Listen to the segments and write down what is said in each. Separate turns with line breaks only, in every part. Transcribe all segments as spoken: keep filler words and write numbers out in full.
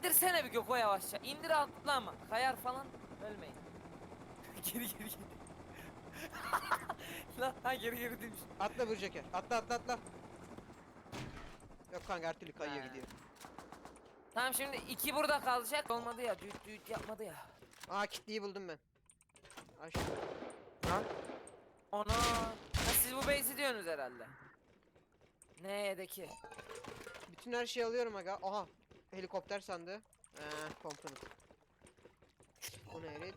indirsene bir Göko yavaşça. İndir atlama. Kayar falan. Ölmeyin. Geri geri geri. Lan ha geri geri demiş.
Atla Burceker. Atla atla atla. Yok kanka her türlü kayıyor
Ha.
gidiyor.
Tamam şimdi iki burada kalacak. Olmadı ya. Düğüt düğüt yapmadı ya.
Aa kitliyi buldum ben. Aş.
Lan.
Ona. Ha, siz bu base'i diyorsunuz herhalde. Ne'deki?
Bütün her şeyi alıyorum aga. Aha. Helikopter sandığı. Eee komponent. Onu erit.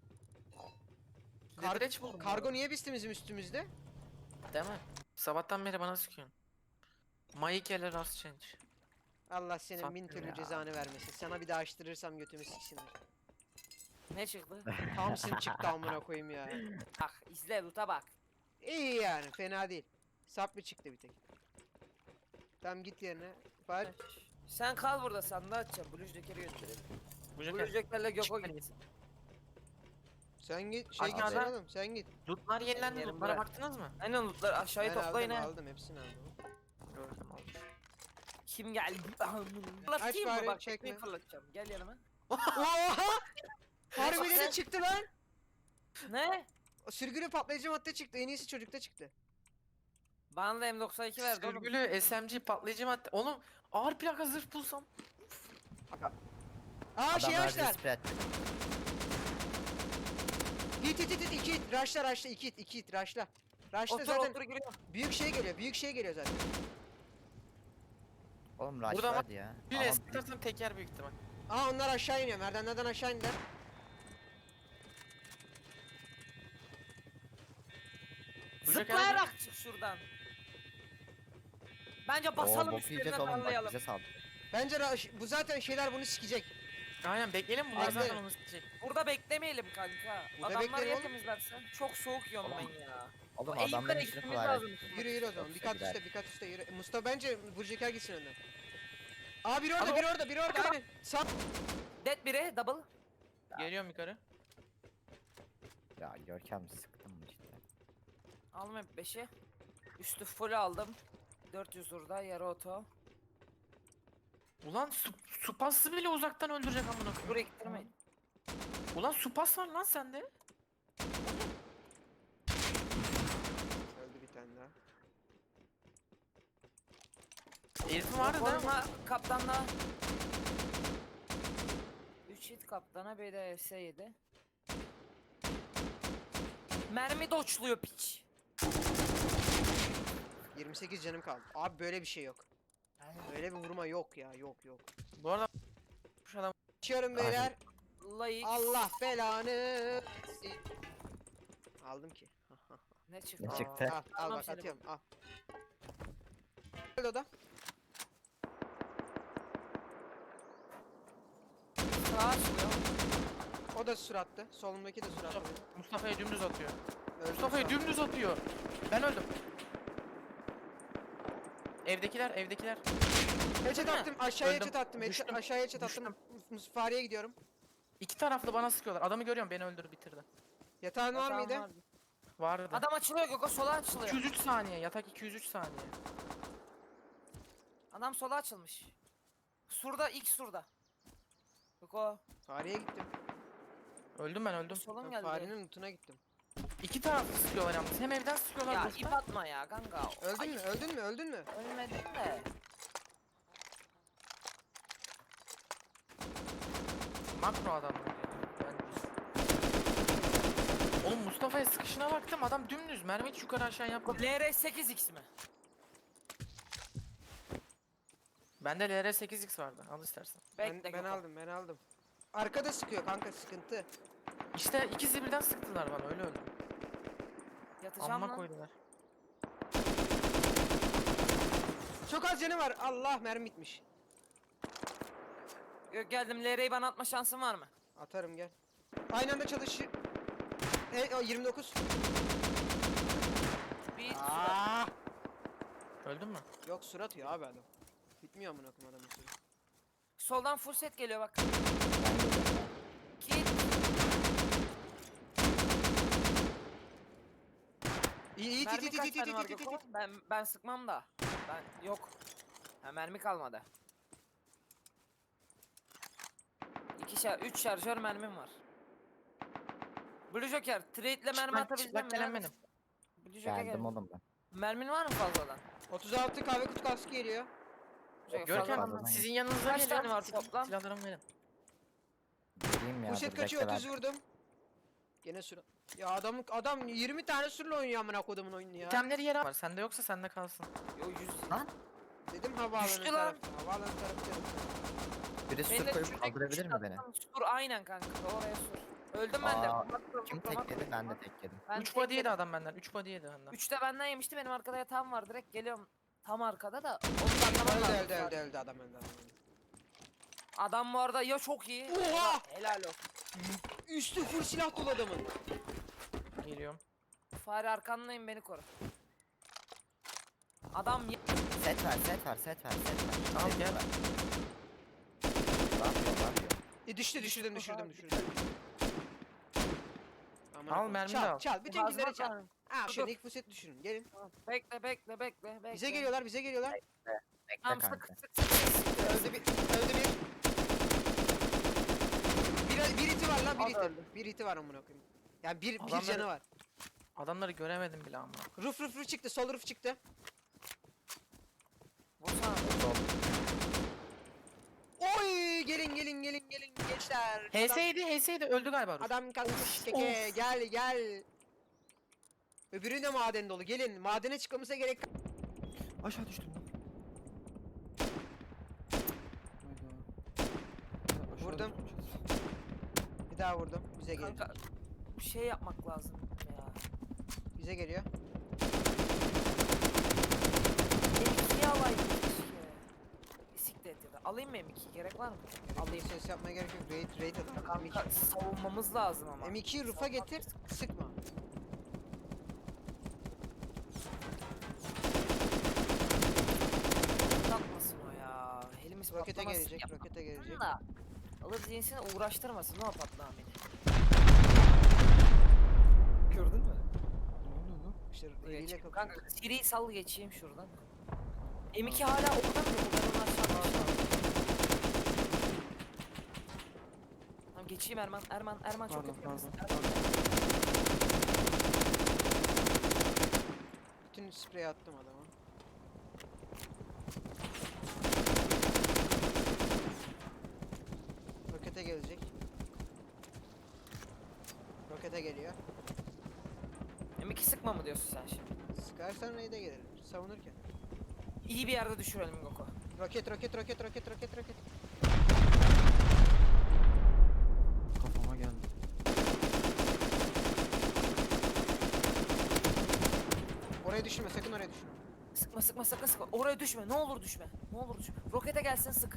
Kar
Leverage buldum.
kargo niye bizim üstümüzde?
Değil mi? Sabahtan beri bana sıkıyorsun. Maike'le rast change.
Allah senin
Sattım
bin türlü
ya.
cezanı vermesin. Sana bir daha açtırırsam götümü siksinler.
Ne çıktı?
Thompson çıktı amına koyayım ya.
Bak izle loot'a bak.
İyi yani fena değil. Sap mı çıktı bir tek. Tamam git yerine. Bak
Sen kal burada sandığı açacağım. Blue Joker'i gönderelim.
Bu
Blue
joker.
Joker'le Göko
Çık
gitsin.
sen git şey git
Aşağıda-
oğlum sen git.
Lootlar yenilendi.
Yerim
Lootlara
bırak.
baktınız mı?
Aynen loot'ları aşağıya
Ben
toplayın
aldım
ha.
aldım hepsini aldım.
Gördüm olmuş.
Kim geldi?
Aç
Fırlatayım mı
bari,
bak
çekme.
tekmeyi fırlatacağım. Gel yanıma.
Oha! Harbiden de çıktı lan.
Ne?
Sürgülü patlayıcı madde çıktı. En iyisi çocukta çıktı.
Bana da M doksan iki verdi oğlum.
Sürgülü S M G patlayıcı madde. Oğlum ağır plaka zırh bulsam.
Aa şey
Adamlar
açlar.
display.
Hit hit hit hit iki hit. Raşla raşla iki hit iki hit raşla. Raşla
Otur
zaten
otur giriyor.
büyük şey geliyor. Büyük şey geliyor zaten.
Oğlum rush
Burada
vardı ya.
Bir
Ama
esnaftan teker büyük ihtimal.
Aa onlar aşağı iniyor. Merdivenlerden aşağı indiler.
Bu joker-
Zıplayarak çık şuradan. Bence
Oo,
basalım
bok
üstlerine
yiyeceğiz oğlum bak
darlayalım.
bize saldı.
Bence ra- bu zaten şeyler bunu sikecek.
Aynen bekleyelim bunlar
Bekle.
zaten onu isteyecek.
Burada beklemeyelim kanka.
Burada
Adamlar
bekleyelim
ya
oğlum.
temizlersen. Çok soğuk yiyorum
Oğlum,
ben ya.
Oğlum
O eğimlere
adamların işini
gitmemiz
kolay.
lazım.
Yürü yürü o zaman. Bir
Yoksa
kat
gider.
üstte bir kat üstte yürü. Mustafa bence Burceker gitsin önden. Aa biri orada
Ama-
biri orada biri orada aynen. Sağ.
Dead biri double.
Geliyorum yukarı.
Ya Görkem sıktın mı cidden?
Aldım hep beşi. Üstü full aldım. dört yüz burada yarı oto.
Ulan su, supası bile uzaktan öldürecek amına koyayım.
Buraya gittirmeyin.
Ulan supas var lan sende.
Öldü bir tane daha.
Elif'in vardı değil mi?
Koruma kaptanla. üç hit kaptana bir de S yedi. Mermi doçluyor piç.
yirmi sekiz canım kaldı. Abi böyle bir şey yok. Böyle bir vurma yok ya yok yok.
Bu arada şu adam
Açıyorum beyler.
Layık.
Allah belanı. Aldım ki.
Ne çıktı?
Ne
Aa,
çıktı?
Al, al
Tamam
bak
seni
atıyorum al. Gel oda.
Sağa açılıyor.
O da surattı. Solumdaki de surattı.
Mustafa'ya dümdüz atıyor.
Öldüm
Mustafa'ya
şu an.
dümdüz atıyor. Ben öldüm. Evdekiler, evdekiler.
Headshot
Öldün mü?
attım. Aşağıya
Öldüm.
headshot attım. headshot-
Düştüm.
Aşağıya headshot attım. Mus- Fareye gidiyorum.
İki taraflı bana sıkıyorlar. Adamı görüyorum, beni öldürdü, bitirdi.
Yatağın var
Yatağım
mıydı?
vardı.
Vardı.
Adam açılıyor Göko sola açılıyor.
iki yüz üç saniye, yatak iki yüz üç saniye.
Adam sola açılmış. Surda ilk surda. Göko.
Fareye gittim.
Öldüm ben, öldüm.
Solun
Ben
geldi.
farenin lootuna gittim.
İki taraflı sıkıyorlar yalnız. Hem evden sıkıyorlar.
Ya
boşta.
ip atma ya kanka.
Öldün
Ay,
mü? Öldün mü? Öldün mü?
Ölmedin de.
Makro adamlar ya. Ben... Oğlum Mustafa'ya sıkışına baktım, adam dümdüz. Mermi hiç yukarı aşağı yapmıyor.
L R sekiz X mi?
Bende L R sekiz X vardı. Al istersen.
Bekle
Ben, ben
Göko.
aldım ben aldım. Arkada sıkıyor kanka sıkıntı.
İşte ikisi birden sıktılar bana, öyle öldüm.
Yatacağım
Amma
lan.
koydular.
Çok az canı var. Allah mermi bitmiş.
Yok geldim L R'yi bana atma şansın var mı?
Atarım gel. Aynı anda çalışır. E, o yirmi dokuz.
Bir suda.
Aa!
Öldün mü?
Yok surat atıyor abi adam. Bitmiyor amına koyayım adamın sürü.
Soldan full set geliyor bak.
Ben geliyorum ya.
Kit.
İyi iyi
Mermi
tit
kaç
tit tit
tane var
tit tit
Göko?
tit.
Ben ben sıkmam da. Ben yok. Ha mermi kalmadı. iki şar üç şarjör mermim var. Blue Joker, trade'le mermi
Çıplak-
atabileceğim
çıplak gelen
mi?
benim.
Blue Joker
Geldim
gel.
oğlum ben.
Mermin var mı fazladan?
otuz altı kahve kutu kaskı geliyor.
Joker,
Görkem
fazladan-
Fazladan
sizin yanınıza
Kaç
geliyorum.
tane var
Silah-
toplam?
Silahlarımı verin.
Gireyim ya.
Poşet
dur
kaçıyor,
bekle
otuz
ben.
vurdum. Gene sürü. Ya adam adam yirmi tane sürüyle oynuyor amına kodumun oyunu ya.
İtemleri yere var. Sende yoksa sende kalsın.
Yo yüz.
Lan.
Dedim havaalanı
Düştü lan.
tarafı. Havaalanı tarafı.
Biri
Beni
su
de
koyup
düşürdük,
kaldırabilir mi beni?
düşürdük. Sur aynen kanka oraya sur. Öldüm ben de.
Aa,
Bakma,
Kim
bakma,
tek yedi?
bakma.
Ben de tek yedim.
Ben
üç
tek
body yedi
yedim.
adam benden. üç body yedi benden.
Üçte benden yemişti, benim arkada yatağım var, direkt geliyorum tam arkada da onu anlamam
Öldü
lazım
öldü
zaten.
öldü öldü adam öldü adam öldü.
Adam bu arada ya çok iyi.
Oha!
ya da Helal olsun.
Üstü full silah dolu adamın.
Geliyorum.
Fare arkandayım, beni koru. Adam ye-
Set ver, set ver, set ver, set ver.
Al
Set
gel.
ver. Ne yapıyor, ne yapıyor?
E düştü düşürdüm düşürdüm düşürdüm. Amına
Al,
koyayım.
mermi de
çal,
al.
Çal bütün
Hazmat
killeri çal.
var.
Ha
Dur,
şöyle
dur.
ilk fuset düşürün gelin.
Bekle bekle bekle bekle.
Bize geliyorlar bize geliyorlar.
Bekle
Tamam sık
kanka.
sık sık sık.
Öldü bir öldü bir. Bir, bir iti var lan bir
O da
iti.
öldü.
Bir iti var amına koyayım. Yani bir, bir
Adamları-
canı var.
Adamları göremedim bile ama.
Ruf ruf ruf çıktı sol ruf çıktı.
Vursana.
Oy gelin gelin gelin gelin gençler.
H S'ydi H S'ydi öldü galiba. Rus.
Adam kalkmış keke gel gel. Öbürü de maden dolu gelin madene çıkmamıza gerek.
Aşağı düştüm lan. Hayda. Aşağı
Vurdum.
düşmüşüz.
Bir daha vurdum bize geliyor.
Kanka bir şey yapmak lazım ya.
Bize geliyor.
M ikiyi alayım keşke. Siktir et ya da. Alayım mı M ikiyi, gerek var mı?
Alayım ses yapmaya gerek yok. Raid raid atalım.
Kanka savunmamız lazım ama.
M ikiyi rufa getir sıkma.
Patlatmasın o ya. Elimiz
Rokete
patlamasın
gelecek
ya.
rokete gelecek.
Da alır cinsini uğraştırmasın o patla beni. Gördün mü?
Ne oluyor lan?
İşte
Buraya
eliyle
çık.
kapıyor.
Kanka seri sal geçeyim şuradan. M iki hala orada mı? Ben onu aşağı Tamam geçeyim Erman. Erman Erman çok
Pardon
yapıyor.
pardon. pardon.
Bütün spreyi attım adama. Rokete gelecek. Rokete geliyor.
M iki sıkma mı diyorsun sen şimdi?
Sıkarsan raid'e gelir. Savunurken.
İyi bir yerde düşürelim Goko.
Roket roket roket roket roket roket.
Kafama geldi.
Oraya düşürme sakın oraya düşürme.
Sıkma sıkma sakın sıkma. Oraya düşme. Ne olur düşme. Ne olur düşme. Rokete gelsin sık.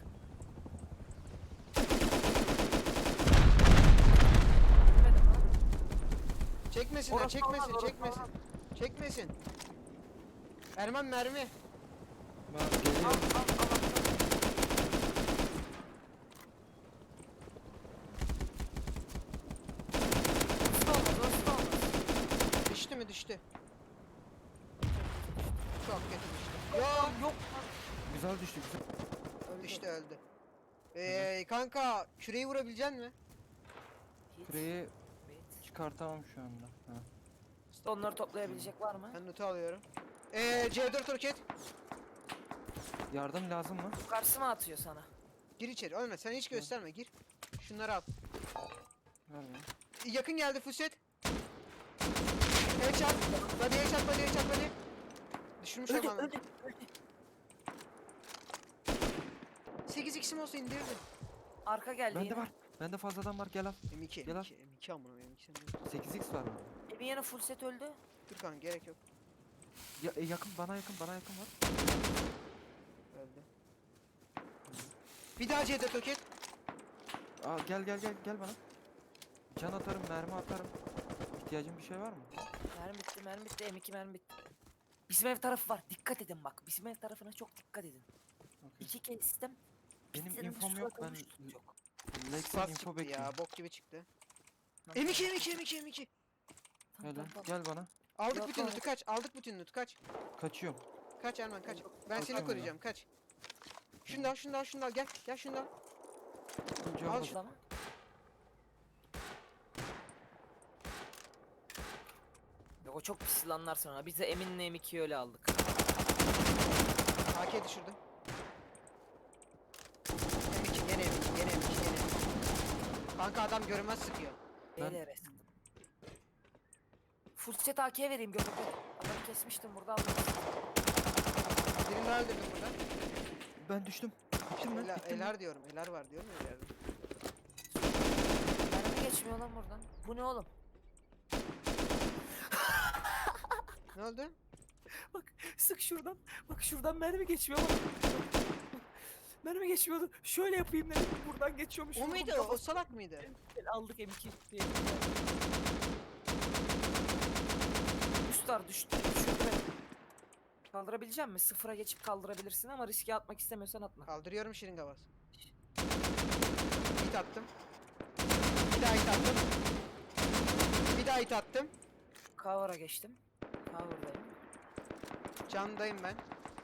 Demedim lan.
Çekmesinler
Orası
çekmesin
olmaz, orası
çekmesin.
olmaz.
Çekmesin. Erman mermi.
Ben
Al
geliyorum.
al al. al. Hızlı olmaz, hızlı olmaz.
Düştü mü düştü. Çok kötü düştü. Yo.
Yok.
Güzel düştü güzel.
Düştü öldü. Eee kanka küreyi vurabilecek mi?
Küreyi çıkartamam şu anda. Ha.
Onları toplayabilecek var mı?
Ben notu alıyorum. Eee C dört roket.
Yardım lazım mı?
Yukarısı mı atıyor sana?
Gir içeri. Ölme sen hiç gösterme gir. Şunları al.
Ver bana.
Yakın geldi Fuset. Headshot. Body headshot body headshot body. Düşürmüş
Öldü,
olmam.
öldü, öldü.
sekiz x'im olsa indirdim.
Arka geldi
Bende
yine.
var. Bende fazladan var gel al.
M iki
Gel
M
al.
iki M iki amına M iki
sekiz x var bende.
Evin yanı full set öldü.
Dur kanka gerek yok.
Ya, e, yakın bana yakın bana yakın var.
Öldü. Bir daha C dört roket.
Aa, gel gel gel gel bana. Can atarım mermi atarım. İhtiyacın bir şey var mı?
Mermi bitti, mermi bitti, M iki mermi bitti. Bizim ev tarafı var. Dikkat edin bak. Bizim ev tarafına çok dikkat edin.
Okey.
İki kez sistem.
Benim
bittiğinde
infom
suya
yok ben
koymuştuk çok.
Lex'ten
Saf
info
çıktı
bekliyorum.
ya bok gibi çıktı.
Tamam,
M iki M iki M iki M iki.
tamam,
Gel
tamam,
lan,
tamam.
gel bana.
Aldık
Yok,
bütün
yok.
loot'u kaç. Aldık bütün loot'u kaç.
Kaçıyorum.
Kaç Erman kaç. Ben seni
Kaçamam
koruyacağım kaç. Şunu da al şunu da al şunu da al gel. Gel şunu da al.
Önce
Al
al
şu-
Tamam. o çok pis yılanlar sonra. Biz de Emin'le M ikiyi öyle aldık.
A K düşürdüm. M iki gene M iki gene M iki gene M iki. Kanka adam görünmez sıkıyor.
Ben-
Neyle resim? Full set A K vereyim göbekte. Adamı kesmiştim burada aldım.
Birini daha öldürdüm burada.
Ben düştüm. Bittim lan.
Ela,
Bittim lan.
eler diyorum. Eler var diyorum ya ileride.
Mermi geçmiyor lan buradan. Bu ne oğlum?
Ne oldu?
Sık şuradan. Bak şuradan mermi geçmiyor bak. Mermi geçmiyordu. Şöyle yapayım dedim. Buradan geçiyormuş.
O
Vurdum
muydu? O,
kafasına.
o salak mıydı?
Aldık M iki diye. Üstar düştü. Düşürdü beni. Kaldırabilecek misin? Sıfıra geçip kaldırabilirsin ama riske atmak istemiyorsan atma.
Kaldırıyorum şırınga bas. Hit attım. Bir daha hit attım. Bir daha hit attım.
Cover'a geçtim. Cover'dayım.
Candayım ben.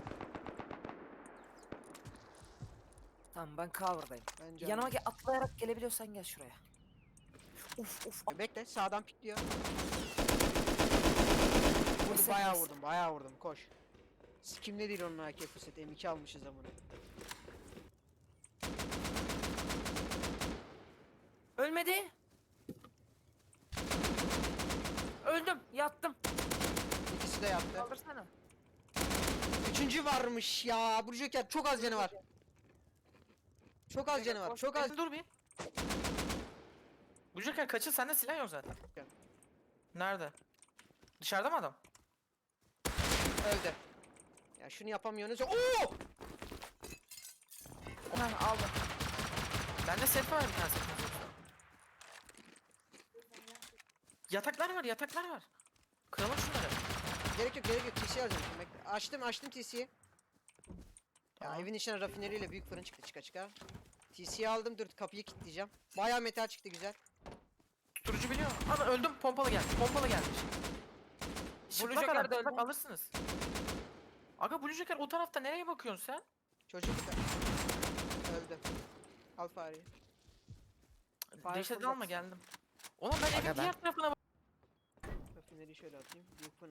Tamam ben cover'dayım.
Ben can-
Yanıma gel, atlayarak gelebiliyorsan gel şuraya. Uf uf.
Bekle sağdan pikliyor. Vurdu
Neyse,
bayağı
neyse.
vurdum bayağı vurdum koş. Sikimde değil onun A K fırsat M iki almışız amına.
Ölmedi. Öldüm. Yattım.
İkisi de yaptı.
Kaldırsana.
Üçüncü varmış ya. Bu Joker çok az canı var. Çok az canı var. Çok az.
Bekle, dur bir. Bu Joker kaçın, sende silah yok zaten.
Gel.
Nerede? Dışarıda mı adam?
Öldü. Ya şunu yapamıyorsunuz. Oo!
Heh, aldım.
Bende set var bir tane set. Yataklar var, yataklar var. Kıralım şunları.
Gerek yok gerek yok. T C alacağım şimdi bekle. Açtım açtım T C'yi. Ya
Tamam.
evin içine rafineriyle büyük fırın çıktı çıka çıka. T C'yi aldım dur kapıyı kilitleyeceğim. Bayağı metal çıktı güzel.
Tuturucu biliyor musun? Ana öldüm, pompalı geldi, pompalı gelmiş. Çıplak
Joker
adam,
de
çıplak
öldü.
alırsınız. Aga Blue Joker o tarafta, nereye bakıyorsun sen?
Çocuk öldü. Al fareyi.
Fire
Dehşet
fırlat.
alma, geldim. Oğlum ben
Aga
evin
ben-
diğer tarafına bak.
Rafineriyi şöyle atayım. Büyük fırın